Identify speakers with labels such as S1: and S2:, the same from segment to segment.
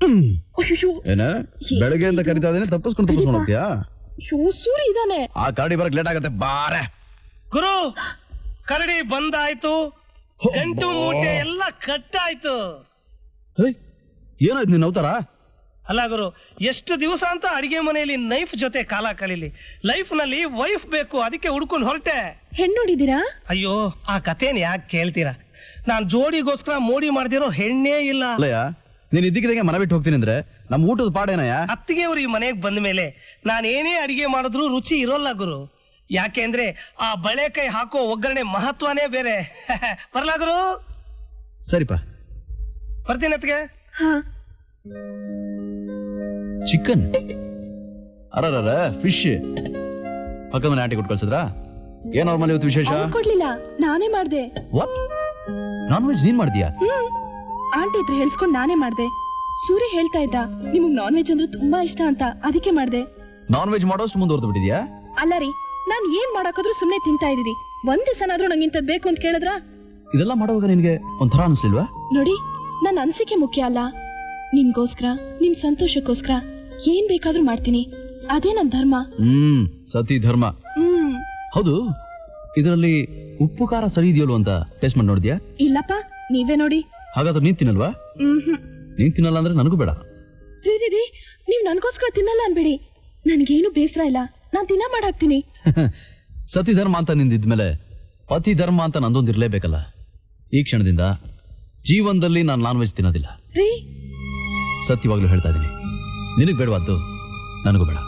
S1: ಏನ ಬೆಳಗ್ಗೆಯಿಂದ ಕರಿತಾ ಇದ್ದೇನೆ, ತಪ್ಪಿಸ್ಕೊಂಡು ಹೋಗ್ತೀಯಾ?
S2: ಸೂರಿ ಇದಾನೆ.
S1: ಆ ಕರಡಿ ಬರಕ್ ಲೇಟ್ ಆಗತ್ತೆ, ಬಾರೆ.
S3: ಗುರು, ಕರಡಿ ಬಂದಾಯ್ತು, ಗಂಟು ಮೂಟೆ ಎಲ್ಲ ಕಟ್ಟಾಯ್ತು.
S1: ಏನಾಯ್ತು ನಿನ್ನ ಅವತಾರ?
S3: ಅಲ್ಲ ಗುರು, ಎಷ್ಟು ದಿವಸ ಅಂತ ಅಡಿಗೆ ಮನೆಯಲ್ಲಿ ನೈಫ್ ಜೊತೆ ಕಾಲ ಕಲೀಲಿ. ಲೈಫ್ ನಲ್ಲಿ ವೈಫ್ ಬೇಕು, ಅದಕ್ಕೆ ಹುಡ್ಕೊಂಡು ಹೊರಟೆ.
S2: ಹೆಣ್ಣು ನೋಡಿದೀರಾ?
S3: ಅಯ್ಯೋ, ಆ ಕಥೆನ ಯಾಕೆ ಕೇಳ್ತೀರಾ? ನಾನ್ ಜೋಡಿಗೋಸ್ಕರ ಮೋಡಿ ಮಾಡ್ದಿರೋ ಹೆಣ್ಣೇ ಇಲ್ಲ.
S1: ಅಲ್ಲಯ್ಯ, ನೀನ್ ಇದ್ದಕ್ಕಿದಂಗೆ ಮನೆ ಬಿಟ್ಟು ಹೋಗ್ತೀನಿ ಅಂದ್ರೆ ನಮ್ ಊಟದ ಪಾಡೇನಯ್ಯ?
S3: ಅತ್ತಿಗೆ ಅವ್ರು ಈ ಮನೆಗೆ ಬಂದ ಮೇಲೆ ನಾನೇನೇ ಅಡಿಗೆ ಮಾಡಿದ್ರು ರುಚಿ ಇರೋಲ್ಲ ಗುರು. ಯಾಕೆಂದ್ರೆ ಆ ಬಳೆಕೈ ಹಾಕೋ ಒಗ್ಗರಣೆ ಮಹತ್ವನೇ ಬೇರೆ. ಬರ್ಲಾ ಗುರು?
S1: ಸರಿಪಾ,
S3: ಬರ್ತೀನಿ ಅತ್ತಿಗೆ.
S1: ಚಿಕನ್ ಅರ ಫಿಶ್ ಪಕ್ಕದ ಮನೆ ಆಂಟಿ ಕೊಟ್ಟು ಕಳ್ಸಿದ್ರಾ? ಏನ್ ಅವ್ರ ಮನೆ ಇವತ್ತು ವಿಶೇಷ?
S2: ಕೊಡ್ಲಿಲ್ಲ, ನಾನೇ ಮಾಡ್ದೆ.
S1: ವಾಟ್? ನಾನ್ ವೆಜ್ ನೀನ್ ಮಾಡ್ತೀಯಾ?
S2: ಆಂಟಿ ಇದ್ರೆ ಹೇಳ್ಸ್ಕೊಂಡ್ ನಾನೇ ಮಾಡ್ದೆ. ಸೂರ್ಯ ಹೇಳ್ತಾ ಇದ್ದ ನಿಮಗ್ ನಾನ್ ವೆಜ್ ಅಂದ್ರೆ ತುಂಬಾ ಇಷ್ಟ ಅಂತ, ಅದಕ್ಕೆ ಮಾಡ್ದೆ.
S1: ನಾನ್ ವೆಜ್ ಮಾಡೋಷ್ಟು ಮುಂದುವರೆದು ಬಿಟ್ಟಿದ್ಯಾ?
S2: ಅಲ್ಲ ರೀ, ನಾನ್ ಏನ್ ಮಾಡಾಕಾದ್ರೂ ಸುಮ್ನೆ ತಿಂತಾ ಇದೀರಿ. ಒಂದ್ ದಿವಸನಾದ್ರೂ ನಂಗೆ ಇಂಥದ್ ಬೇಕು ಅಂತ ಕೇಳಿದ್ರ?
S1: ಇದೆಲ್ಲ ಮಾಡುವಾಗ ನಿನ್ಗೆ ಒಂಥರ ಅನ್ಸ್ಲಿಲ್ವಾ?
S2: ನೋಡಿ, ನನ್ನ ಅನ್ಸಿಕೆ ಮುಖ್ಯ ಅಲ್ಲ. ನಿಮ್ಗೋಸ್ಕರ, ನಿಮ್ ಸಂತೋಷಕ್ಕೋಸ್ಕರ ಏನ್ ಬೇಕಾದ್ರೂ ಮಾಡ್ತೀನಿ. ಅದೇ ನನ್ ಧರ್ಮ.
S1: ಸತಿ ಧರ್ಮ. ಹೌದು, ಇದರಲ್ಲಿ ಉಪ್ಪು ಖಾರ ಸರಿ ಇದೆಯಲ್ಲ ಅಂತ ಟೇಸ್ಟ್ ಮಾಡಿ ನೋಡಿದ್ಯಾ?
S2: ಇಲ್ಲಪ್ಪ, ನೀವೇ ನೋಡಿ.
S1: ಹಾಗಾದ್ರೆ ನೀನ್ ತಿನ್ನಲ್ವಾ? ನೀನ್ ತಿನ್ನಲ್ಲ ಅಂದ್ರೆ ನನಗೂ ಬೇಡ.
S2: ರೀ, ನೀವ್ ನನ್ಗೋಸ್ಕರ ತಿನ್ನಲ್ಲ ಅನ್ಬೇಡಿ. ನನ್ಗೇನು ಬೇಸರ ಇಲ್ಲ, ನಾನ್ ತಿನ್ನ ಮಾಡಾಕ್ತೀನಿ.
S1: ಸತಿ ಧರ್ಮ ಅಂತ ನಿಂದಿದ್ಮೇಲೆ ಪತಿ ಧರ್ಮ ಅಂತ ನಂದೊಂದಿರ್ಲೇಬೇಕಲ್ಲ. ಈ ಕ್ಷಣದಿಂದ ಜೀವನದಲ್ಲಿ ನಾನು ನಾನ್ ವೆಜ್ ತಿನ್ನೋದಿಲ್ಲ. ಸತ್ಯವಾಗ್ಲೂ ಹೇಳ್ತಾ ಇದೀನಿ, ನಿನಗ್ ಬೇಡವಾದ್ದು ನನಗೂ ಬೇಡ.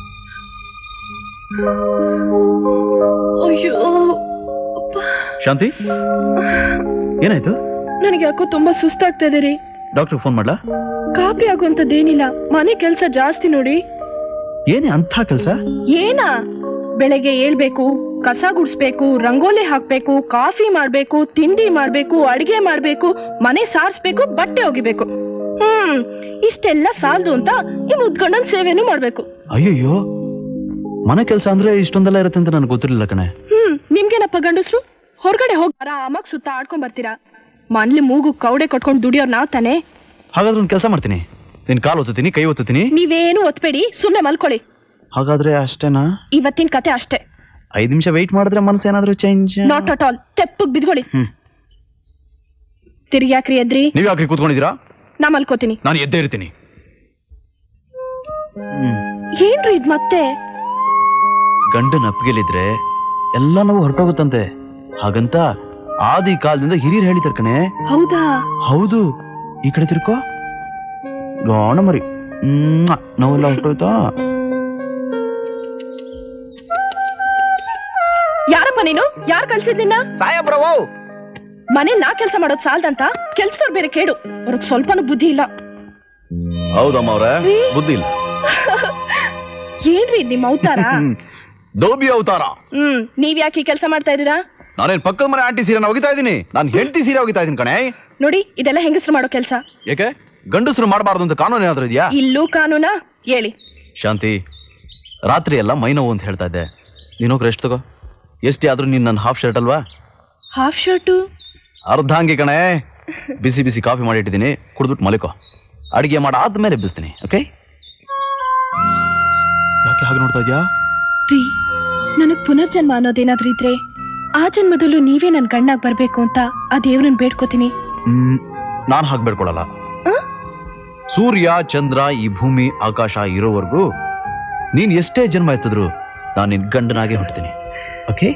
S2: ಅಯ್ಯೋ
S1: ಶಾಂತಿ, ಏನಾಯ್ತು?
S2: ನನಗೆ ಯಾಕೋ ತುಂಬಾ ಸುಸ್ತಾಗ್ತಾ ಇದೆ ರೀ.
S1: ಡಾಕ್ಟರ್ ಫೋನ್ ಮಾಡ್ಲಾ?
S2: ಕಾಬ್ರಿ ಆಗುವಂತದ್ದೇನಿಲ್ಲ, ಮನೆ ಕೆಲ್ಸ ಜಾಸ್ತಿ ನೋಡಿ.
S1: ಏನೇ ಅಂತ ಕೆಲ್ಸ?
S2: ಏನಾ? ಬೆಳಗ್ಗೆ ಏಳ್ಬೇಕು, ಕಸ ಗುಡಿಸ್ಬೇಕು, ರಂಗೋಲಿ ಹಾಕ್ಬೇಕು, ಕಾಫಿ ಮಾಡ್ಬೇಕು, ತಿಂಡಿ ಮಾಡ್ಬೇಕು, ಅಡಿಗೆ ಮಾಡ್ಬೇಕು, ಮನೆ ಸಾರಿಸ್ಬೇಕು, ಬಟ್ಟೆ ಒಗಿಬೇಕು. ಇಷ್ಟೆಲ್ಲ ಸಾಲದು ಅಂತ ಈ ಮುದ್ಗಂಡನ್ ಸೇವೆನೂ ಮಾಡ್ಬೇಕು.
S1: ಅಯ್ಯಯ್ಯೋ, ಮನೆ ಕೆಲಸ ಅಂದ್ರೆ ಇಷ್ಟೊಂದೆಲ್ಲ ಇರುತ್ತೆ ಅಂತ ನನಗೆ ಗೊತ್ತಿರಲಿಲ್ಲ ಕಣೆ.
S2: ನಿಮ್ಗೇನಪ್ಪ ಗಂಡಸ್ರು? ಹೊರಗಡೆ ಹೋಗಿ ಆರಾಮಾಗಿ ಸುತ್ತ ಆಡ್ಕೊಂಡ್ ಬರ್ತೀರಾ. ಮನ್ಲಿ ಮೂಗು ಕೌಡೆ ಕೊಟ್ಕೊಂಡು ದುಡಿಯೋರ್ ನಾವ್ ತಾನೆ.
S1: ಹಾಗಾದ್ರೆ ಒಂದು ಕೆಲಸ ಮಾಡ್ತೀನಿ, ನಿನ್ ಕಾಲು ಒತ್ತುತ್ತೀನಿ, ಕೈ ಒತ್ತುತ್ತೀನಿ.
S2: ನೀವೇನು ಒತ್ಬೇಡಿ, ಸುಮ್ನೆ ಮಲ್ಕೊಳ್ಳಿ.
S1: ಹಾಗಾದ್ರೆ ಅಷ್ಟೇನಾ?
S2: ಇವತ್ತಿನ ಕತೆ ಅಷ್ಟೇ.
S1: 5 ನಿಮಿಷ ವೆಯ್ಟ್ ಮಾಡಿದ್ರೆ ಮನಸ್ಸು ಏನಾದ್ರೂ ಚೇಂಜ್?
S2: Not at all. ತೆಪ್ಪಗ್ ಬಿದ್ಕೊಳ್ಳಿ. ತಿರ್ಗಿ ಯಾಕ್ರಿ ಎದ್ರಿ?
S1: ನೀವ್ ಯಾಕ್ರಿ ಕೂತ್ಕೊಂಡಿದ್ದೀರಾ?
S2: ನಾ ಮಲ್ಕೋತೀನಿ.
S1: ನಾನು ಎದ್ದೇ ಇರ್ತೀನಿ.
S2: ಏನ್ರಿ ಇದ್ ಮತ್ತೆ?
S1: ಗಂಡನ ಅಪ್ಪಿಗೆಲಿದ್ರೆ ಎಲ್ಲ ನಾವು ಹೊರಟೋಗುತ್ತಂತೆ. ಹಾಗಂತ ಆದಿ ಕಾಲದಿಂದ ಹಿರಿಯರು ಹೇಳಿದಾರೆ ಕಣೆ.
S2: ಹೌದಾ?
S1: ಹೌದು. ಈ ಕಡೆ ತಿರ್ಕೋ, ಗಾಣ ಮರಿ. ನಾವೆಲ್ಲ ಹೊರಟೋಯ್ತಾ?
S2: ಯಾರಪ್ಪ ನೀನು? ಯಾರು ಕಳ್ಸಿದ್ ನಿನ್ನ?
S1: ಸಾಯಬ್ರವೋ.
S2: ಮನೇಲಿ ನಾ ಕೆಲ್ಸ ಮಾಡೋದ್ ಸಾಲ್ದಂತ ಕೆಲ್ಸದವ್ರು ಬೇರೆ ಕೇಡು. ಅವ್ರಿಗೆ ಸ್ವಲ್ಪನೂ ಬುದ್ಧಿ ಇಲ್ಲ.
S1: ಹೌದಮ್ಮ ಅವ್ರೆ, ಬುದ್ಧಿ ಇಲ್ಲ.
S2: ಏನ್ರಿ ನಿಮ್ಮ ಅವತಾರ?
S1: ದೋಬಿ ಅವತಾರ.
S2: ನೀವ್ ಯಾಕೆ ಈ ಕೆಲಸ ಮಾಡ್ತಾ ಇದೀರಾ?
S1: ನಾನೇನ್ ಪಕ್ಕದ ಮನೆ ಆಂಟಿ ಸೀರೆ ಒಗಿತಾ ಇದೀನಿ, ನಾನು ಹೆಂಡತಿ ಸೀರೆ ಒಗಿತಾ ಇದೀನಿ ಕಣೆ.
S2: ನೋಡಿ, ಇದೆಲ್ಲ ಹೆಂಗಸರು ಮಾಡೋ ಕೆಲಸ.
S1: ಯಾಕೆ ಗಂಡಸರು ಮಾಡಬಾರ್ದು ಅಂತ ಕಾನೂನು ಏನಾದ್ರೂ ಇದೆಯಾ?
S2: ಇಲ್ಲೂ ಕಾನೂನಾ? ಹೇಳಿ.
S1: ಶಾಂತಿ, ರಾತ್ರಿ ಎಲ್ಲ ಮೈ ನೋವು ಅಂತ ಹೇಳ್ತಾ ಇದ್ದೆ. ನೀನೋಗಿ ರೆಸ್ಟ್ ತಗೋ. ಎಷ್ಟೇ ಆದ್ರೂ ನೀನ್ ನನ್ನ ಹಾಫ್ ಶರ್ಟ್ ಅಲ್ವಾ?
S2: Half shirt?
S1: ಅರ್ಧಾಂಗಿ ಕಣೆ. ಬಿಸಿ ಬಿಸಿ ಕಾಫಿ ಮಾಡಿ ಇಟ್ಟಿದ್ದೀನಿ, ಕುಡಿದ್ಬಿಟ್ಟು ಮಲಿಕೋ. ಅಡಿಗೆ ಮಾಡಾದ್ಮೇಲೆ ಎಬ್ಬಿಸ್ತೀನಿ, ಓಕೆ? ಯಾಕೆ ಹಾಗೆ ನೋಡ್ತಾ ಇದ್ಯಾ?
S2: ರೀ, ನನಗ್ ಪುನರ್ಜನ್ಮ ಅನ್ನೋದೇನಾದ್ರೂ ಇದ್ರೆ ಆ ಜನ್ಮದಲ್ಲೂ ನೀವೇ ನನ್ ಗಂಡಾಗ್ ಬರ್ಬೇಕು ಅಂತ ಆ ದೇವ್ರನ್ನ ಬೇಡ್ಕೋತೀನಿ.
S1: ನಾನ್ ಹಾಗೆ ಬೇಡ್ಕೊಳಲ್ಲ. ಸೂರ್ಯ ಚಂದ್ರ ಈ ಭೂಮಿ ಆಕಾಶ ಇರೋವರೆಗೂ ನೀನ್ ಎಷ್ಟೇ ಜನ್ಮ ಎತ್ತಿದ್ರು ನಾನು ನಿನ್ ಗಂಡನಾಗೆ ಹುಡ್ತೀನಿ, ಓಕೆ?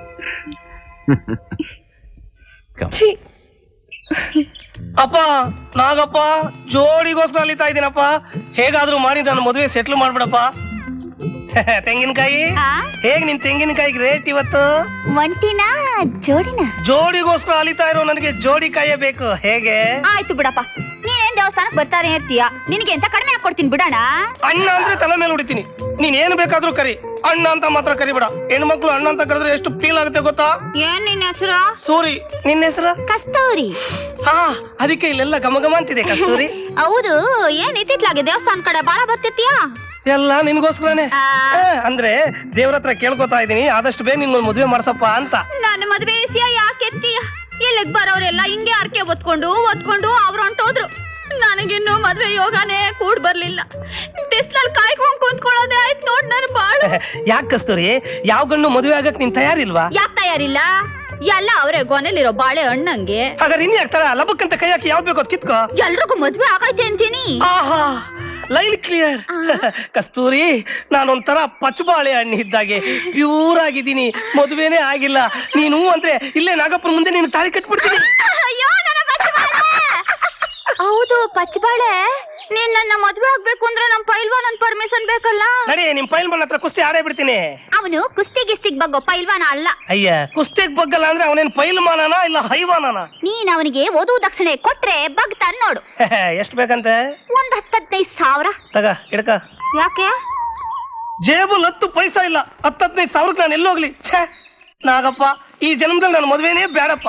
S3: ಅಪ್ಪ ನಾಗಪ್ಪ, ಜೋಡಿಗೋಸ್ಕರ ಅಲಿತಾ ಇದ್ದೀನಪ್ಪ. ಹೇಗಾದ್ರೂ ಮಾಡಿ ನನ್ನ ಮದುವೆ ಸೆಟ್ಲ್ ಮಾಡ್ಬಿಡಪ್ಪ. ತೆಂಗಿನಕಾಯಿ ಹೇಗ್? ನಿನ್ ತೆಂಗಿನಕಾಯಿಗೆ ರೇಟ್ ಇವತ್ತು?
S4: ಒಂಟಿನ ಜೋಡಿನ?
S3: ಜೋಡಿಗೋಸ್ಕರ ಅಲಿತಾ ಇರೋ ನನಗೆ ಜೋಡಿ ಕಾಯೇ ಬೇಕು. ಹೇಗೆ?
S4: ಆಯ್ತು ಬಿಡಪ್ಪ, ನೀನೇನ್ ದೇವಸ್ಥಾನಕ್ ಬರ್ತಾರೆ ಇರ್ತೀಯ, ನಿನಗೆ ಎಂತ ಕಡಿಮೆ ಹಾಕೊಡ್ತೀನಿ ಬಿಡೋಣ.
S3: ಅಣ್ಣ ಅಂದ್ರೆ ತಲೆ ಮೇಲೆ ಹೊಡಿತೀನಿ. ನೀನ್ ಏನ್ ಬೇಕಾದ್ರೂ ಕರಿ, ಅಣ್ಣ ಅಂತ ಮಾತ್ರ ಕರಿಬೇಡ. ಹೆಣ್ಮಕ್ಳು ಅಣ್ಣ ಅಂತ ಕರೆದ್ರೆ ಎಷ್ಟು ಫೀಲ್ ಆಗುತ್ತೆ ಗೊತ್ತಾ?
S4: ಏನ್ ನಿನ್ನ ಹೆಸರು?
S3: ಸೂರಿ. ನಿನ್ನ ಹೆಸರು?
S4: ಕಸ್ತೂರಿ.
S3: ಹಾ, ಅದಕ್ಕೆ ಇಲ್ಲೆಲ್ಲ ಘಮ ಅಂತಿದೆ ಕಸ್ತೂರಿ.
S4: ಹೌದು, ಏನ್ ಇತ್ತಿತ್ಲಾಗೆ ದೇವಸ್ಥಾನ ಕಡೆ ಬಾಳ ಬರ್ತಿರ್ತೀಯಾ?
S3: ಎಲ್ಲ ನಿನ್ಗೋಸ್ಕರನೇ. ಅಂದ್ರೆ ದೇವ್ರ ಹತ್ರ ಕೇಳ್ಕೊತಾ ಇದೀನಿ, ಆದಷ್ಟು ಬೇಗ ನಿನ್ ಮದುವೆ ಮಾಡ್ಸಪ್ಪ ಅಂತ.
S4: ನನ್ನ ಮದುವೆ ವಿಷಯ ಯಾಕೆತ್ತೀಯ? ಇಲ್ಲಿಗ್ ಬರೋರೆಲ್ಲ ಹಿಂಗೆ ಅರ್ಕೆ ಒತ್ಕೊಂಡು ಅವ್ರು ಹೊಂಟೋದ್ರು. ನನಗಿನ್ನೂ ಮದ್ವೆ ಯೋಗನೇ ಮೂಡ್ ಬರ್ಲಿಲ್ಲ. ಬಿಸ್ಲಲ್ಲಿ ಕಾಯ್ಕೊಂಡ್ ಕುಂತ್ಕೊಳ್ಳೋದೇ ಆಯ್ತು ನೋಡ್ ನನ್ ಬಾಳು.
S3: ಯಾಕೆ ಕಸ್ತೂರಿ, ಯಾವ ಗಂಡು ಮದುವೆ ಆಗಕ್ ನೀನ್ ತಯಾರಿಲ್ವಾ?
S4: ಯಾಕೆ ತಯಾರಿಲ್ಲ? ಎಲ್ಲ ಅವರೇ ಗೊನೆಲಿರೋ ಬಾಳೆ ಹಣ್ಣಂಗೆ.
S3: ಹಾಗಾದ್ರೆ ಇನ್ ಯಾಕೆ ಲಬಕ್ಕಂತ ಕೈ ಹಾಕಿ ಯಾವ್ದು ಬೇಕೋ ಕಿತ್ಕೋ.
S4: ಎಲ್ರಿಗೂ ಮದ್ವೆ ಆಗೈತೆ ಅಂತೀನಿ.
S3: ಆಹಾ, ಲೈನ್ ಕ್ಲಿಯರ್. ಕಸ್ತೂರಿ, ನಾನೊಂಥರ ಪಚ್ಚಬಾಳೆ ಹಣ್ಣು ಇದ್ದಾಗೆ ಪ್ಯೂರ್ ಆಗಿದ್ದೀನಿ, ಮದುವೆನೇ ಆಗಿಲ್ಲ. ನೀನು ಅಂದ್ರೆ ಇಲ್ಲೇ ನಾಗಪ್ಪನ ಮುಂದೆ ನೀನು ತಾಳಿ ಕಟ್ಬಿಡ್ತೀನಿ.
S4: ಅಯ್ಯೋ ನನ್ನ ಪಚ್ಚಬಾಳೆ. ಹೌದು ಪಚ್ಚಬಾಳೆ, ನೀನ್ ನನ್ನ ಮದ್ವೆ ಆಗ್ಬೇಕು ಅಂದ್ರೆ ನಮ್ ಪೈಲ್ವಾನ್ ಪರ್ಮಿಷನ್ ಬೇಕಲ್ಲ.
S3: ನಡಿ, ನಿಮ್ ಪೈಲ್ವಾನ್ ಹತ್ರ ಕುಸ್ತಿ ಆಡೇ ಬಿಡ್ತೀನಿ.
S4: ಅವನು ಕುಸ್ತಿ ಗಿಸ್ತಿಗ್ ಬಗ್ಗೋ ಪೈಲ್ವಾನ ಅಲ್ಲ.
S3: ಅಯ್ಯ, ಕುಸ್ತಿಗ್ ಬಗ್ಗಲ್ಲ ಅಂದ್ರೆ ಅವನೇನ್ ಪೈಲ್ವಾನನ ಇಲ್ಲ ಹೈವಾನನ?
S4: ನೀನ್ ಅವನಿಗೆ ವಧು ದಕ್ಷಿಣೆ ಕೊಟ್ರೆ ಬಗ್ತಾನ್ ನೋಡು.
S3: ಎಷ್ಟ್ ಬೇಕಂತೆ?
S4: ಒಂದ್ 10-15,000
S3: ತಗ ಹಿಡ್ಕ.
S4: ಯಾಕೆ?
S3: ಜೇಬಲ್ 10 ಪೈಸಾ ಇಲ್ಲ, 10-15 ಸಾವಿರಕ್ಕೆ ನಾನು ಎಲ್ಲೋಗ್ಲಿ? ಛೇ ನಾಗಪ್ಪ, ಈ ಜನ್ಮದಲ್ಲಿ ನನ್ನ ಮದುವೆನೇ ಬೇಡಪ್ಪ.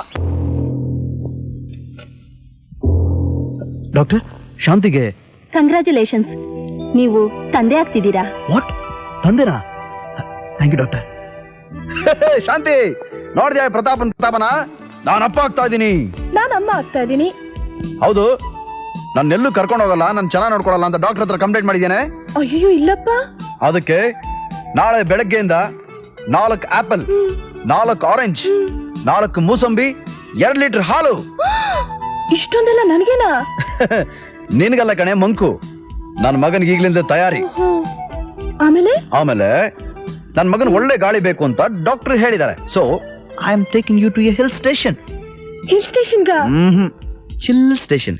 S1: ಡಾಕ್ಟರ್, ಶಾಂತಿಗೆ
S2: ಕಂಗ್ರ್ಯಾಚುಲೇಷನ್ಸ್, ನೀವು ತಂದೆ ಆಗ್ತಿದ್ದೀರಾ.
S1: ವಾಟ್? ತಂದೆನಾ? Thank you doctor. ಶಾಂತಿ, ನೋಡಿದ್ಯಾ ಪ್ರತಾಪನ? ನಾನು ಅಪ್ಪ ಆಗ್ತಾ ಇದ್ದೀನಿ.
S2: ನಾನು ಅಮ್ಮ ಆಗ್ತಾ ಇದ್ದೀನಿ.
S1: ಹೌದು, ನನ್ನೆಲ್ಲೂ ಕರ್ಕೊಂಡು ಹೋಗಲ್ಲ, ನಾನು ಚೆನ್ನಾಗಿ ನೋಡ್ಕೊಳಲ್ಲ ಅಂತ ಡಾಕ್ಟರ್ ಹತ್ರ ಕಂಪ್ಲೇಂಟ್ ಮಾಡಿದ್ದೇನೆ.
S2: ಅಯ್ಯೋ ಇಲ್ಲಪ್ಪ.
S1: ಅದಕ್ಕೆ ನಾಳೆ ಬೆಳಗ್ಗೆಯಿಂದ 4 ಆಪಲ್, 4 ಆರೆಂಜ್, 4 ಮೂಸಂಬಿ, 2 ಲೀಟರ್ ಹಾಲು.
S2: ಇಷ್ಟೊಂದೆಲ್ಲ ನನ್ಗೇನಾ?
S1: ನಿನ್ಗಲ್ಲ ಕಣೆ ಮಂಕು, ನನ್ನ ಮಗನಿಗೆ ಈಗ್ಲಿಂದ ತಯಾರಿ.
S2: ಆಮೇಲೆ
S1: ನನ್ನ ಮಗನ್ ಒಳ್ಳೆ ಗಾಳಿ ಬೇಕು ಅಂತ ಡಾಕ್ಟರ್ ಹೇಳಿದ್ದಾರೆ. So I am taking you to a hill station.
S2: Hill ಸ್ಟೇಷನ್ಗ?
S1: Chill station.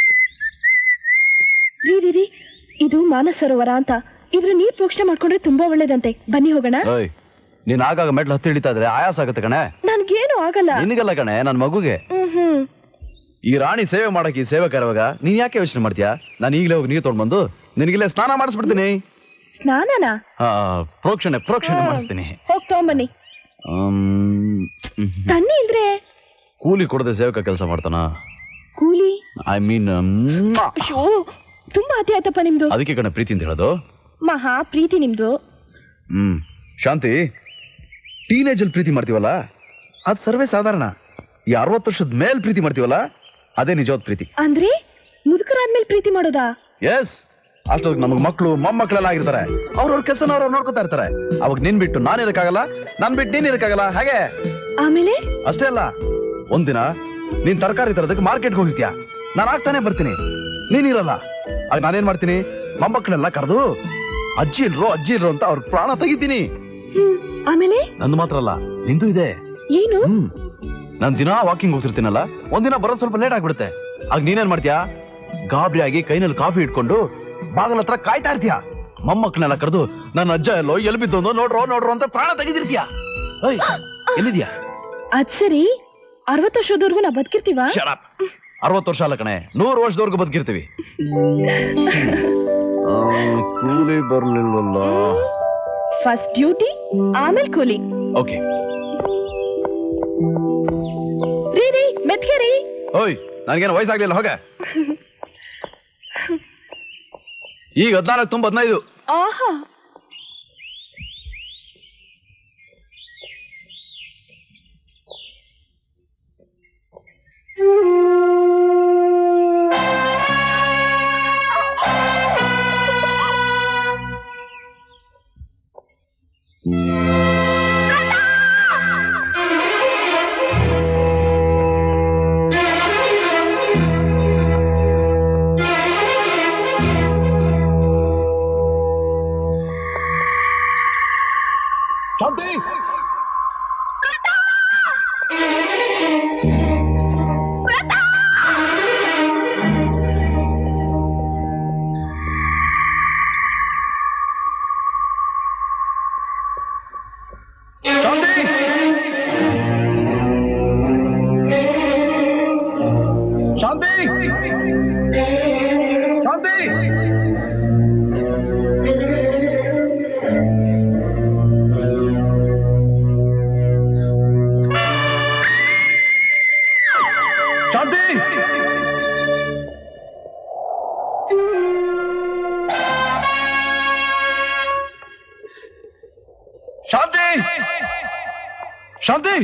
S2: ರೀ, ಇದು ಮಾನಸ ಸರೋವರ ಅಂತ. ಇದ್ರ ನೀರ್ ಪ್ರೋಕ್ಷಣೆ ಮಾಡ್ಕೊಂಡ್ರೆ ತುಂಬಾ ಒಳ್ಳೇದಂತೆ. ಬನ್ನಿ ಹೋಗೋಣ.
S1: ನೀನ್ ಆಗಾಗ ಮೆಟ್ಲು ಹತ್ತಿ ಹಿಡಿತಾ ಇದ್ರೆ ಆಯಾಸ ಆಗುತ್ತೆ ಕಣೆ.
S2: ನನ್ಗೇನು ಆಗಲ್ಲ.
S1: ನಿನಗಲ್ಲ ಕಣೆ, ನನ್ ಮಗುಗೆ. ಈ ರಾಣಿ ಸೇವೆ ಮಾಡಕ್ಕೆ ಈ ಸೇವಕ ಇರುವಾಗ ನೀನ್ ಯಾಕೆ ಯೋಚನೆ ಮಾಡ್ತೀಯಾ? ನಾನು ಈಗಲೇ ಹೋಗಿ ನೀರು ತೊಗೊಂಡ್ಬಂದು ನಿನಗಿಲ್ಲೇ ಸ್ನಾನ ಮಾಡಿಸ್ಬಿಡ್ತೀನಿ.
S2: ಸ್ನಾನನಾ?
S1: ಪ್ರೋಕ್ಷಣೆ ಮಾಡಿಸ್ತೀನಿ.
S2: ಹೋಗ್ ತಗೊಂಬನ್ನಿ. ತನ್ನಿ ಅಂದ್ರೆ
S1: ಕೂಲಿ ಕೊಡದೆ ಸೇವಕ ಕೆಲಸ ಮಾಡ್ತಾನ?
S2: ಕೂಲಿ?
S1: ಐ ಮೀನ್
S2: ಅಯ್ಯೋ, ತುಂಬಾ ಅತಿ ಆಯ್ತಪ್ಪ ನಿಮ್ದು.
S1: ಅದಕ್ಕೆ ಕಣೆ ಪ್ರೀತಿ ಅಂತ ಹೇಳೋದು.
S2: ಮಹಾ ಪ್ರೀತಿ ನಿಮ್ದು.
S1: ಶಾಂತಿ, ಟೀನೇಜ್ ಅಲ್ಲಿ ಪ್ರೀತಿ ಮಾಡ್ತೀವಲ್ಲ ಅದು ಸರ್ವೇ ಸಾಧಾರಣ. ಈ 60 ವರ್ಷದ ಮೇಲ್ ಪ್ರೀತಿ ಮಾಡ್ತೀವಲ್ಲ ಅದೇ ನಿಜವಾದ ಪ್ರೀತಿ.
S2: ಅಂದ್ರೆ ಮುದುಕರಾದ್ಮೇಲೆ ಪ್ರೀತಿ ಮಾಡೋದಾ?
S1: ಎಸ್. ಅಷ್ಟೊತ್ತಿಗೆ ನಮಗ್ ಮಕ್ಕಳು ಮೊಮ್ಮಕ್ಕಳೆಲ್ಲ ಆಗಿರ್ತಾರೆ. ಅವ್ರವ್ರ ಕೆಲಸನ ಅವ್ರವ್ರು ನೋಡ್ಕೊತಾ ಇರ್ತಾರೆ. ಅವಾಗ ನಿನ್ ಬಿಟ್ಟು ನಾನು ಇರಕ್ಕಾಗಲ್ಲ, ನನ್ ಬಿಟ್ಟು ನೀನ್ ಇರಕ್ಕಾಗಲ್ಲ. ಹಾಗೆ
S2: ಆಮೇಲೆ
S1: ಅಷ್ಟೇ ಅಲ್ಲ, ಒಂದಿನ ನೀನ್ ತರಕಾರಿ ತರೋದಕ್ಕೆ ಮಾರ್ಕೆಟ್ಗೆ ಹೋಗಿರ್ತೀಯ, ನಾನು ಆಗ್ತಾನೆ ಬರ್ತೀನಿ, ನೀನಿರಲ್ಲ. ಆಗ ನಾನೇನ್ ಮಾಡ್ತೀನಿ, ಮೊಮ್ಮಕ್ಕಳೆಲ್ಲ ಕರೆದು ಅಜ್ಜಿ ಇಲ್ರೋ ಅಂತ ಅವ್ರ ಪ್ರಾಣ ತೆಗಿತೀನಿ.
S2: ಆಮೇಲೆ
S1: ನಂದು ಮಾತ್ರ ಅಲ್ಲ, ನಿಂದು ಇದೆ.
S2: ಏನು?
S1: ನಾನ್ ದಿನ ವಾಕಿಂಗ್ ಹೋಗ್ತಿರ್ತೀನಲ್ಲ, ಒಂದಿನ ಬರೋದು ಸ್ವಲ್ಪ ಲೇಟ್ ಆಗ್ಬಿಡುತ್ತೆ. ಆಗ ನೀನೇನ್ ಮಾಡ್ತೀಯಾ, ಗಾಬರಿ ಆಗಿ ಕೈನಲ್ಲಿ ಕಾಫಿ ಇಟ್ಕೊಂಡು ಬಾಗಲ ಹತ್ರ ಕಾಯ್ತಾ ಇರ್ತೀಯ. ಮೊಮ್ಮಕ್ಕಳನ್ನೆಲ್ಲ ಕರೆದು ನನ್ನ ಅಜ್ಜ ಎಲ್ಲೋ ಎಲ್ಲಿ ಬಿದ್ದೊಂದು ನೋಡ್ರೋ ಅಂತ ಪ್ರಾಣ ತೆಗೆದಿರ್ತೀಯ. ಎಲ್ಲಿದ್ಯಾ?
S2: ಅದ್ ಸರಿ, 60 ವರ್ಷದವರೆಗೂ ನಾ ಬದುಕಿರ್ತೀವ?
S1: 60 ವರ್ಷ ಅಲ್ಲ ಕಣೆ, 100 ವರ್ಷದವರೆಗೂ ಬದುಕಿರ್ತೀವಿ. ಕೂಲಿ ಬರ್ಲಿಲ್ವಲ್ಲ.
S2: ಫಸ್ಟ್ ಡ್ಯೂಟಿ, ಆಮೇಲೆ ಕೂಲಿ.
S1: ಓಕೆ.
S2: ರೀ ಮೆತ್ಗೆ ರೀ.
S1: ಓಯ್, ನನ್ಗೇನು ವಯಸ್ಸಾಗ್ಲಿಲ್ಲ, ಹೋಗ. ಈಗ 14 ತುಂಬ 15.
S2: ಆಹಾ,
S1: ಶಾಂತಿ, ಶಾಂತಿ,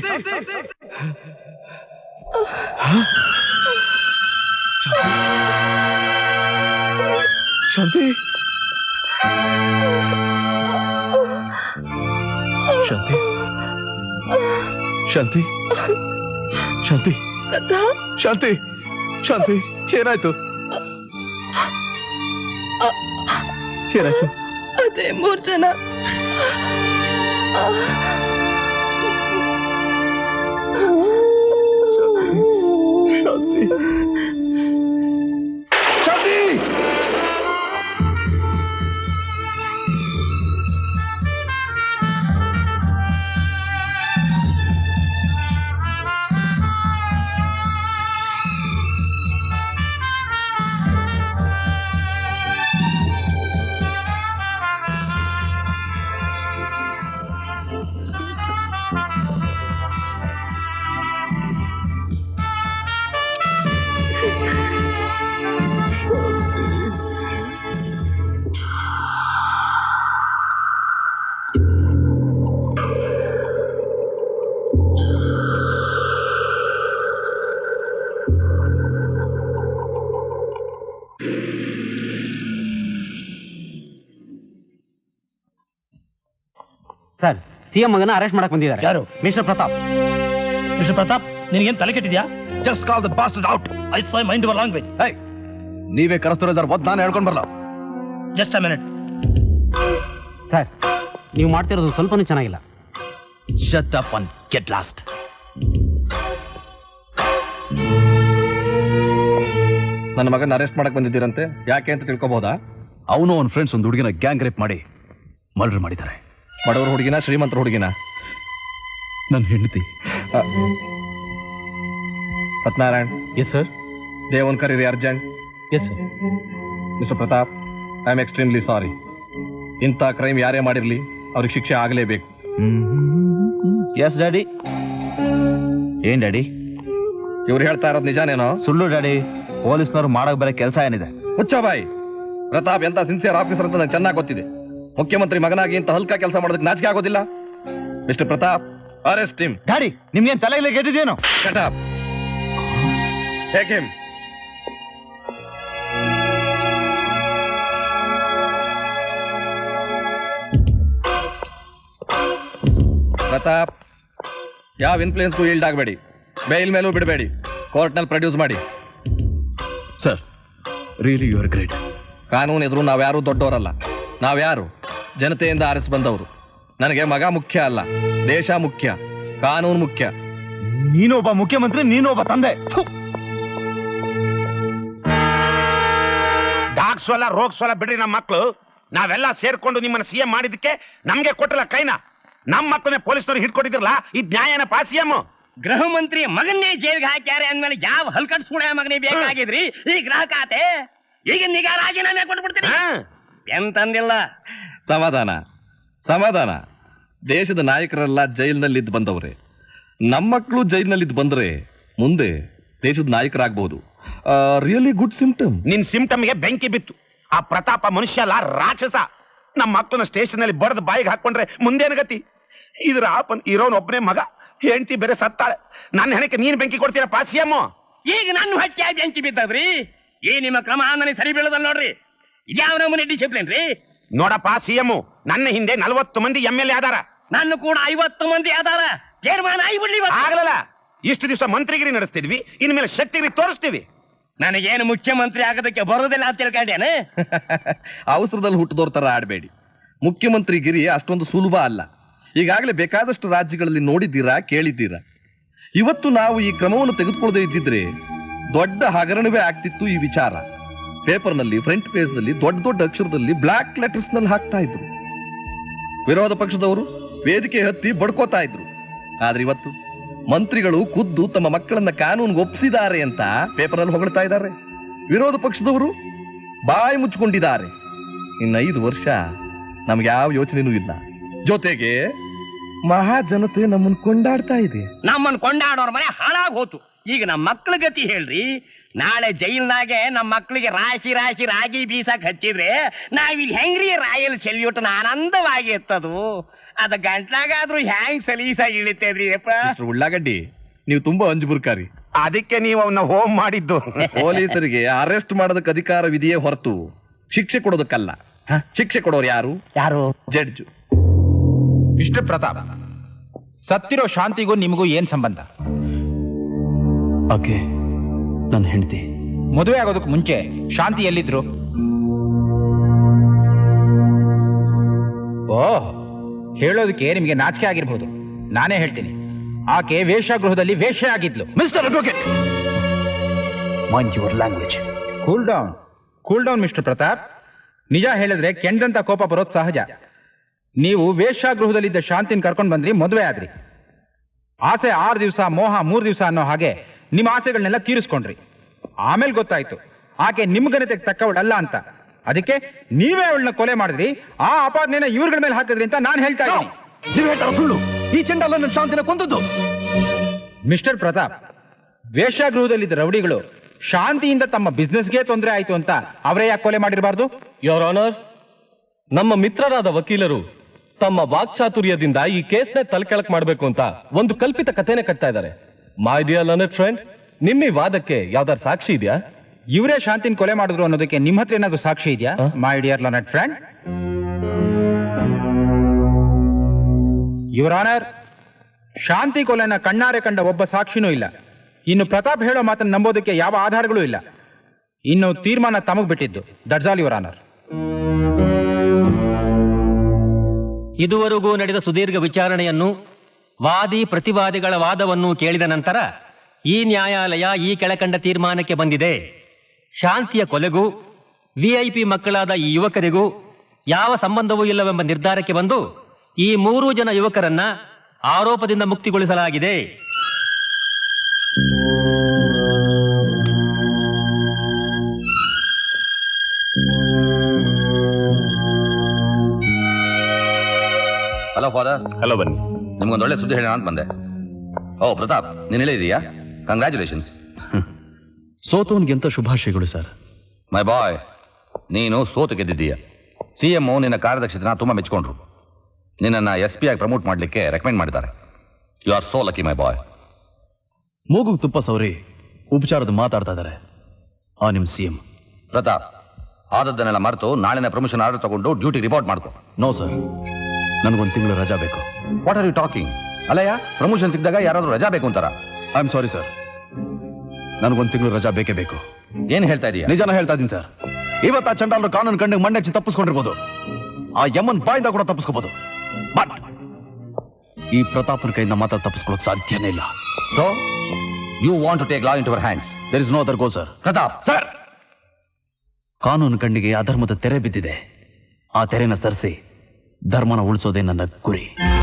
S1: ಶಾಂತಿ ಶಾಂತಿ ಶಾಂತಿ ಶಾಂತಿ ಶಾಂತಿ ಶಾಂತಿ ಏನಾಯ್ತು ಏನಾಯ್ತು?
S2: ಅದೇ 3 ಜನ
S1: ಶಾಂತಿ ಶಾಂತಿ
S5: ಸರ್, ಸಿಎಂ ಮಗನ ಅರೆಸ್ಟ್ ಮಾಡಕ್ ಬಂದಿದ್ದಾರೆ.
S3: ಯಾರು?
S5: ಮಿಸ್ಟರ್ ಪ್ರತಾಪ್.
S3: ಮಿಸ್ಟರ್ ಪ್ರತಾಪ್, ನಿನಗೇನ್ ತಲೆ ಕೆಟ್ಟಿದ್ಯಾ? Just call the bastard out. I say mind your language.
S1: ನೀವೇ ಕರೆಸ್ತಿರೋದಾರ ಒದ್ ನಾನು ಹೇಳ್ಕೊಂಡ್ ಬರಲ್ಲ.
S3: Just a minute.
S5: ಸರ್, ನೀವು ಮಾಡ್ತಿರೋದು ಸ್ವಲ್ಪನೂ ಚೆನ್ನಾಗಿಲ್ಲ.
S1: Shut up and get lost.
S6: ನನ್ನ ಮಗನ ಅರೆಸ್ಟ್ ಮಾಡಕ್ ಬಂದಿದ್ದೀರಂತೆ, ಯಾಕೆ ಅಂತ ತಿಳ್ಕೊಬಹುದಾ?
S1: ಅವನು ಅವನ ಫ್ರೆಂಡ್ಸ್ ಒಂದು ಹುಡುಗಿನ ಗ್ಯಾಂಗ್ ರೇಪ್ ಮಾಡಿ ಮರ್ಡರ್ ಮಾಡಿದ್ದಾರೆ.
S6: ಬಡವರ ಹುಡುಗಿನ, ಶ್ರೀಮಂತರ ಹುಡುಗಿನ?
S1: ನನ್ನ ಹೆಂಡತಿ.
S6: ಸತ್ಯನಾರಾಯಣ್.
S1: S sir.
S6: ದೇವನ್ ಕರೀರಿ urgent.
S1: Yes sir.
S6: Mister Pratap, I am extremely sorry. ಇಂಥ ಕ್ರೈಮ್ ಯಾರೇ ಮಾಡಿರ್ಲಿ ಅವ್ರಿಗೆ ಶಿಕ್ಷೆ ಆಗಲೇಬೇಕು.
S1: Yes daddy. ಏನ್ ಡ್ಯಾಡಿ?
S6: ಇವ್ರು ಹೇಳ್ತಾ ಇರೋದು ನಿಜಾನೇನೋ?
S1: ಸುಳ್ಳು ಡ್ಯಾಡಿ. ಪೊಲೀಸ್ನವ್ರು ಮಾಡಕ್ ಬರೋ ಕೆಲಸ ಏನಿದೆ?
S6: ಹುಚ್ಚಬಾಯಿ. ಪ್ರತಾಪ್ ಎಂತ ಸಿನ್ಸಿಯರ್ ಆಫೀಸರ್ ಅಂತ ನಂಗೆ ಚೆನ್ನಾಗಿ ಗೊತ್ತಿದೆ. ಮುಖ್ಯಮಂತ್ರಿ ಮಗನಾಗಿ ಇಂತ ಹಲ್ಕ ಕೆಲಸ ಮಾಡೋದಕ್ಕೆ ನಾಚಿಕೆ ಆಗೋದಿಲ್ಲ. Mister Pratap, arrest him.
S1: Daddy, ನಿಮ್ಗೇನ್ ತಲೆ ಇಲ್ಲ ಗೆದ್ದಿದೇನೋ?
S6: Shut up. Take him. Pratap, ಯಾವ ಇನ್ಫ್ಲೂಯೆನ್ಸ್ಗೂ ಈಲ್ಡ್ ಆಗಬೇಡಿ. ಬೇಲ್ ಮೇಲೂ ಬಿಡಬೇಡಿ. ಕೋರ್ಟ್ನಲ್ಲಿ ಪ್ರೊಡ್ಯೂಸ್ ಮಾಡಿ.
S1: Sir, really you are great.
S6: ಕಾನೂನು ಎದುರು ನಾವ್ಯಾರೂ ದೊಡ್ಡವರಲ್ಲ. ನಾವ್ಯಾರು ಜನತೆಯಿಂದ ಆರಿಸಿ ಬಂದವರು. ನನಗೆ ಮಗ ಮುಖ್ಯ ಅಲ್ಲ, ದೇಶ ಮುಖ್ಯ, ಕಾನೂನು ಮುಖ್ಯ.
S1: ನೀನೊಬ್ಬ ಮುಖ್ಯಮಂತ್ರಿ, ನೀನೊಬ್ಬ ತಂದೆ.
S7: ಡಾಕ್ಸೋಲ ರೋಗ್ಸೋಲ ಬಿಡ್ರಿ. ನಮ್ಮ ಮಕ್ಕಳು ನಾವೆಲ್ಲ ಸೇರ್ಕೊಂಡು ನಿಮ್ಮನ್ನ ಸಿಎಂ ಮಾಡಿದಕ್ಕೆ ನಮ್ಗೆ ಕೊಟ್ಟಲ್ಲ ಕೈನ. ನಮ್ಮ ಮಕ್ಕಳನ್ನೇ ಪೊಲೀಸ್ನವ್ರು ಹಿಡ್ಕೊಟ್ಟಿದ್ರಲ್ಲ, ಇದ್ ನ್ಯಾಯನಪ್ಪ ಸಿಎಂ?
S3: ಗೃಹ ಮಂತ್ರಿ ಮಗನ್ನೇ ಜೈಲ್ಗೆ ಹಾಕ್ಯಾರೆ ಅಂದ್ಮೇಲೆ ಯಾವ ಹಲ್ಕಟ್ಸ್ಕೊಳ ಮಗನೇ ಬೇಕಾಗಿದ್ರಿ ಈ ಗೃಹ ಖಾತೆ? ಈಗ ನಿಗಾ ರಾಜೀನಾಮೆ ಕೊಟ್ಬಿಡ್ತೀನಿ ಎಂತಂದಿಲ್ಲ.
S6: ಸಮಾಧಾನ, ಸಮಾಧಾನ. ದೇಶದ ನಾಯಕರೆಲ್ಲ ಜೈಲಿನಲ್ಲಿದ್ದು ಬಂದವ್ರೆ. ನಮ್ಮ ಮಕ್ಕಳು ಜೈಲಿನಲ್ಲಿದ್ದು ಬಂದ್ರೆ ಮುಂದೆ ದೇಶದ ನಾಯಕರಾಗಬಹುದು. Really good symptom.
S7: ನಿನ್ ಸಿಂಪ್ಟಮ್ಗೆ ಬೆಂಕಿ ಬಿತ್ತು. ಆ ಪ್ರತಾಪ ಮನುಷ್ಯ ಅಲ್ಲ, ರಾಕ್ಷಸ. ನಮ್ಮ ಮಕ್ಕಳನ್ನ ಸ್ಟೇಷನ್ ಅಲ್ಲಿ ಬಡ್ದು ಬಾಯಿಗೆ ಹಾಕೊಂಡ್ರೆ ಮುಂದೇನು ಗತಿ? ಇದ್ರ ಆಪನ್ ಇರೋನ್ ಒಬ್ಬನೇ ಮಗ, ಹೆಂಡತಿ ಬೇರೆ ಸತ್ತಾಳೆ. ನನ್ನ ಹೆಣಕ್ಕೆ ನೀನ್ ಬೆಂಕಿ ಕೊಡ್ತೀರಪ್ಪ ಸಿಎಂ?
S3: ಈಗ ನನ್ನ ಹೊಟ್ಟೆ ಬೆಂಕಿ ಬಿದ್ದದ್ರಿ. ಈ ನಿಮ್ಮ ಕ್ರಮ ನನಗೆ ಸರಿ ಬೀಳದಲ್ಲ ನೋಡ್ರಿ. ಯಾವ ನಮೂನೆ ಡಿಸಿಪ್ಲಿನ್ ರೀ?
S7: ನೋಡಪ್ಪ ಸಿಎಂ, ನನ್ನ ಹಿಂದೆ 40 ಮಂದಿ MLA ಆದಾರ.
S3: ನನ್ನ ಕೂಡ 50 ಮಂದಿ ಆದಾರ. ತೀರ್ಮಾನ ಆಗಿಬಿಡ್ಲಿ.
S7: ಆಗಲ್ಲ. ಇಷ್ಟು ದಿವಸ ಮಂತ್ರಿಗಿರಿ ನಡೆಸ್ತಿದ್ವಿ, ಇನ್ಮೇಲೆ ಶಕ್ತಿಗಿರಿ ತೋರಿಸ್ತೀವಿ.
S3: ನನಗೇನು ಮುಖ್ಯಮಂತ್ರಿ ಆಗೋದಕ್ಕೆ ಬರೋದಿಲ್ಲ ಅಂತ ತಿಳ್ಕೊಂಡೇನೆ.
S6: ಅವಸರದಲ್ಲಿ ಹುಟ್ಟಿದವ್ರ ತರ ಆಡಬೇಡಿ. ಮುಖ್ಯಮಂತ್ರಿ ಗಿರಿ ಅಷ್ಟೊಂದು ಸುಲಭ ಅಲ್ಲ. ಈಗಾಗಲೇ ಬೇಕಾದಷ್ಟು ರಾಜ್ಯಗಳಲ್ಲಿ ನೋಡಿದ್ದೀರಾ, ಕೇಳಿದ್ದೀರಾ. ಇವತ್ತು ನಾವು ಈ ಕ್ರಮವನ್ನು ತೆಗೆದುಕೊಳ್ಳದೆ ಇದ್ದಿದ್ರೆ ದೊಡ್ಡ ಹಗರಣವೇ ಆಗ್ತಿತ್ತು. ಈ ವಿಚಾರ ಪೇಪರ್ನಲ್ಲಿ, ಫ್ರಂಟ್ ಪೇಜ್ ನಲ್ಲಿ ದೊಡ್ಡ ದೊಡ್ಡ ಅಕ್ಷರದಲ್ಲಿ ಬ್ಲಾಕ್ ಲೆಟರ್ಸ್ ನಲ್ಲಿ ಹಾಕ್ತಾ ಇದ್ರು. ವಿರೋಧ ಪಕ್ಷದವರು ವೇದಿಕೆ ಹತ್ತಿ ಬಡ್ಕೋತಾ ಇದ್ರು. ಆದ್ರೆ ಇವತ್ತು ಮಂತ್ರಿಗಳು ಖುದ್ದು ತಮ್ಮ ಮಕ್ಕಳನ್ನ ಕಾನೂನಿಗೆ ಒಪ್ಪಿಸಿದ್ದಾರೆ ಅಂತ ಪೇಪರಲ್ಲಿ ಹೊಗಳ್ತಾ ಇದ್ದಾರೆ. ವಿರೋಧ ಪಕ್ಷದವರು ಬಾಯಿ ಮುಚ್ಚಿಕೊಂಡಿದ್ದಾರೆ. ಇನ್ನು 5 ವರ್ಷ ನಮ್ಗೆ ಯಾವ ಯೋಚನೆನೂ ಇಲ್ಲ. ಜೊತೆಗೆ ಮಹಾಜನತೆ ನಮ್ಮನ್ನು ಕೊಂಡಾಡ್ತಾ ಇದೆ.
S3: ನಮ್ಮನ್ನು ಕೊಂಡಾಡೋರ್ ಮನೆ ಹಾಳಾಗ್ ಹೋತು. ಈಗ ನಮ್ಮ ಮಕ್ಳ ಗತಿ ಹೇಳ್ರಿ. ನಾಳೆ ಜೈಲ್ನಾಗೆ ನಮ್ಮ ಮಕ್ಕಳಿಗೆ ರಾಶಿ ರಾಶಿ ರಾಗಿ ಬೀಸಕ್ ಹಚ್ಚಿದ್ರೆ ನಾವಿಲ್ಲಿ ಹೆಂಗ್ರಿ ರಾಯಲ್ ಸೆಲ್ಯೂಟ್ ಆನಂದವಾಗಿ ಎತ್ತದು. ಅದ ಗಂಟ್ಲಾಗಾದ್ರೂ ಹ್ಯಾಂಗ್ ಸಲೀಸಾಗಿ ಇಳಿತೇದ್ರಿ ಅಪ್ಪ.
S6: ಉಳ್ಳಾಗಡ್ಡಿ, ನೀವು ತುಂಬಾ ಅಂಜುಬುರ್ಕಾರಿ.
S7: ಅದಕ್ಕೆ ನೀವು ಅವನ್ನ ಹೋಮ್ ಮಾಡಿದ್ದು.
S6: ಪೊಲೀಸರಿಗೆ ಅರೆಸ್ಟ್ ಮಾಡೋದಕ್ಕೆ ಅಧಿಕಾರವಿದೆಯೇ ಹೊರತು ಶಿಕ್ಷೆ ಕೊಡೋದಕ್ಕಲ್ಲ. ಶಿಕ್ಷೆ ಕೊಡೋರು ಯಾರು?
S5: ಯಾರು?
S6: ಜಡ್ಜು.
S8: ಮಿಸ್ಟರ್ ಪ್ರತಾಪ್, ಸತ್ತಿರೋ ಶಾಂತಿಗೂ ನಿಮಗೂ ಏನ್ ಸಂಬಂಧ?
S1: ಆಕೆ ನನ್ನ ಹೆಂಡತಿ.
S8: ಮದುವೆ ಆಗೋದಕ್ಕೆ ಮುಂಚೆ ಶಾಂತಿ ಎಲ್ಲಿದ್ರು? ಓಹ್, ಹೇಳೋದಕ್ಕೆ ನಿಮಗೆ ನಾಚಿಕೆ ಆಗಿರ್ಬೋದು. ನಾನೇ ಹೇಳ್ತೀನಿ, ಆಕೆ ವೇಶ್ಯಾಗೃಹದಲ್ಲಿ ವೇಶ್ಯ ಆಗಿದ್ಲು.
S1: Mister advocate, mind your language.
S8: Cool down mister Pratap. ನಿಜ ಹೇಳಿದ್ರೆ ಕೆಂಡಂತ ಕೋಪ ಬರೋದು ಸಹಜ. ನೀವು ವೇಶ್ಯಾಗೃಹದಲ್ಲಿದ್ದ ಶಾಂತಿನ ಕರ್ಕೊಂಡು ಬಂದ್ರಿ, ಮದುವೆ ಆದ್ರಿ. ಆಸೆ 6 ದಿವಸ, ಮೋಹ 3 ದಿವಸ ಅನ್ನೋ ಹಾಗೆ ನಿಮ್ಮ ಆಸೆಗಳನ್ನೆಲ್ಲ ತೀರಿಸ್ಕೊಂಡ್ರಿ. ಆಮೇಲೆ ಗೊತ್ತಾಯ್ತು ಆಕೆ ನಿಮ್ ಘನತೆಗೆ ತಕ್ಕವಳಲ್ಲ ಅಂತ. ಅದಕ್ಕೆ ನೀವೇ ಅವಳನ್ನ ಕೊಲೆ ಮಾಡಿದ್ರಿ. ಆ ಅಪಾದನೆನ ಇವ್ರಗಳ ಮೇಲೆ ಹಾಕಿದ್ರಿ ಅಂತ ನಾನು ಹೇಳ್ತಾ ಇದ್ದೀನಿ.
S1: ನೀವು ಹೇಳ್ತಾರ ಸುಳ್ಳು. ಈ ಚಂಡಾಲ ನನ್ನ ಶಾಂತಿನ ಕೊಂದದ್ದು.
S8: ಮಿಸ್ಟರ್ ಪ್ರತಾಪ್, ವೇಶ್ಯಾಗೃಹದಲ್ಲಿದ್ದ ರೌಡಿಗಳು ಶಾಂತಿಯಿಂದ ತಮ್ಮ ಬಿಸ್ನೆಸ್ಗೆ ತೊಂದರೆ ಆಯ್ತು ಅಂತ ಅವರೇ ಯಾಕೆ ಕೊಲೆ ಮಾಡಿರಬಾರ್ದು?
S6: ಯೋರ್ ಆನರ್, ನಮ್ಮ ಮಿತ್ರರಾದ ವಕೀಲರು ತಮ್ಮ ವಾಕ್ಚಾತುರ್ಯದಿಂದ ಈ ಕೇಸ್ನ ತಲೆಕೆಳಕ್ ಮಾಡಬೇಕು ಅಂತ ಒಂದು ಕಲ್ಪಿತ ಕಥೆನೇ ಕಟ್ತಾ ಇದ್ದಾರೆ. ಮೈ ಡಿಯರ್ ಲರ್ನೆಡ್ ಫ್ರೆಂಡ್, ನಿಮ್ಮ ಈ ವಾದಕ್ಕೆ ಯಾವ್ದಾರು ಸಾಕ್ಷಿ ಇದೆಯಾ?
S8: ಇವರೇ ಶಾಂತಿನ ಕೊಲೆ ಮಾಡಿದ್ರು ಅನ್ನೋದಕ್ಕೆ ನಿಮ್ಮ ಹತ್ರ ಏನಾದ್ರು ಸಾಕ್ಷಿ ಇದೆಯಾ? My dear learned friend, your honour, Shanti ಕೊಲೆನ ಕಣ್ಣಾರೆ ಕಂಡ ಒಬ್ಬ ಸಾಕ್ಷಿನೂ ಇಲ್ಲ. ಇನ್ನು ಪ್ರತಾಪ್ ಹೇಳೋ ಮಾತನ್ನು ನಂಬೋದಕ್ಕೆ ಯಾವ ಆಧಾರಗಳೂ ಇಲ್ಲ. ಇನ್ನು ತೀರ್ಮಾನ ತಮಗ್ ಬಿಟ್ಟಿದ್ದು. That's all your honour.
S9: ಇದುವರೆಗೂ ನಡೆದ ಸುದೀರ್ಘ ವಿಚಾರಣೆಯನ್ನು, ವಾದಿ ಪ್ರತಿವಾದಿಗಳ ವಾದವನ್ನು ಕೇಳಿದ ನಂತರ ಈ ನ್ಯಾಯಾಲಯ ಈ ಕೆಳಕಂಡ ತೀರ್ಮಾನಕ್ಕೆ ಬಂದಿದೆ. ಶಾಂತಿಯ ಕೊಲೆಗೂ ವಿಐಪಿ ಮಕ್ಕಳಾದ ಈ ಯುವಕರಿಗೂ ಯಾವ ಸಂಬಂಧವೂ ಇಲ್ಲವೆಂಬ ನಿರ್ಧಾರಕ್ಕೆ ಬಂದು ಈ 3 ಜನ ಯುವಕರನ್ನ ಆರೋಪದಿಂದ ಮುಕ್ತಿಗೊಳಿಸಲಾಗಿದೆ.
S10: Hello father.
S7: ಹಲೋ, ಬನ್ನಿ.
S10: ನಿಮ್ಗೊಂದು ಒಳ್ಳೆ ಸುದ್ದಿ ಹೇಳೋಣ ಅಂತ ಬಂದೆ. ಓ ಪ್ರತಾಪ್, ನೀನು ಹೇಳಿದೀಯಾ? ಕಂಗ್ರ್ಯಾಚುಲೇಷನ್ಸ್.
S1: ಸೋತವನ್ಗೆಂತ ಶುಭಾಶಯಗಳು ಸರ್.
S10: ಮೈ ಬಾಯ್, ನೀನು ಸೋತು ಗೆದ್ದಿದ್ದೀಯ. CM ನಿನ್ನ ಕಾರ್ಯದಕ್ಷತೆನ ತುಂಬಾ ಮೆಚ್ಕೊಂಡ್ರು. ನಿನ್ನನ್ನು SP ಆಗಿ ಪ್ರಮೋಟ್ ಮಾಡಲಿಕ್ಕೆ ರೆಕಮೆಂಡ್ ಮಾಡಿದ್ದಾರೆ. You are so lucky my boy.
S1: ಮೂಗುಗ್ ತುಪ್ಪ ಸೌರಿ ಉಪಚಾರದ ಮಾತಾಡ್ತಾ ಇದ್ದಾರೆ ಆ ನಿಮ್ಮ CM.
S10: ಪ್ರತಾಪ್, ಆದದ್ದನ್ನೆಲ್ಲ ಮರೆತು ನಾಳಿನ ಪ್ರಮೋಷನ್ ಆರ್ಡರ್ ತಗೊಂಡು ಡ್ಯೂಟಿ ರಿಪೋರ್ಟ್ ಮಾಡ್ಕೊ.
S1: ನೋ ಸರ್, ನನಗೊಂದು ತಿಂಗಳು ರಜಾ ಬೇಕು.
S10: What are you talking? ಅಲ್ಲಯ್ಯ, ಪ್ರಮೋಷನ್ ಸಿಕ್ಕಿದಾಗ ಯಾರಾದ್ರೂ ರಜಾ ಬೇಕು ಅಂತಾರ?
S1: ಐ ಆಮ್ ಸಾರಿ ಸರ್, ನನಗೊಂದು ತಿಂಗಳು ರಜಾ ಬೇಕೇ ಬೇಕು.
S10: ಏನ್ ಹೇಳ್ತಾ ಇದೀಯ?
S1: ನಿಜಾನ ಹೇಳ್ತಾ ಇದ್ದೀನಿ ಸರ್. ಇವತ್ತು ಆ ಚಂಡಾಲರು ಕಾನೂನು ಕಂಡಿಗೆ ಮಂಡಚ್ಚಿ ತಪ್ಪಿಸ್ಕೊಂಡಿರ್ಬೋದು, ಆ ಯಮನ್ ಬಾಯಿಂದ ಕೂಡ ತಪ್ಪಿಸ್ಕೋಬಹುದು. ಬಟ್ ಈ ಪ್ರತಾಪನ ಕೈಯಿಂದ ಮಾತ್ರ ತಪ್ಪಿಸ್ಕೊಳ್ಳೋಕೆ ಸಾಧ್ಯನೇ ಇಲ್ಲ.
S10: So you want to take law in your hands?
S1: There is no other go sir.
S10: Pratap
S1: sir, ಕಾನೂನು ಕಣ್ಣಿಗೆ ಅಧರ್ಮದ ತೆರೆ ಬಿದ್ದಿದೆ. ಆ ತೆರೆನ ಸರಿಸಿ ಧರ್ಮನ ಉಳಿಸೋದೇ ನನ್ನ ಗುರಿ.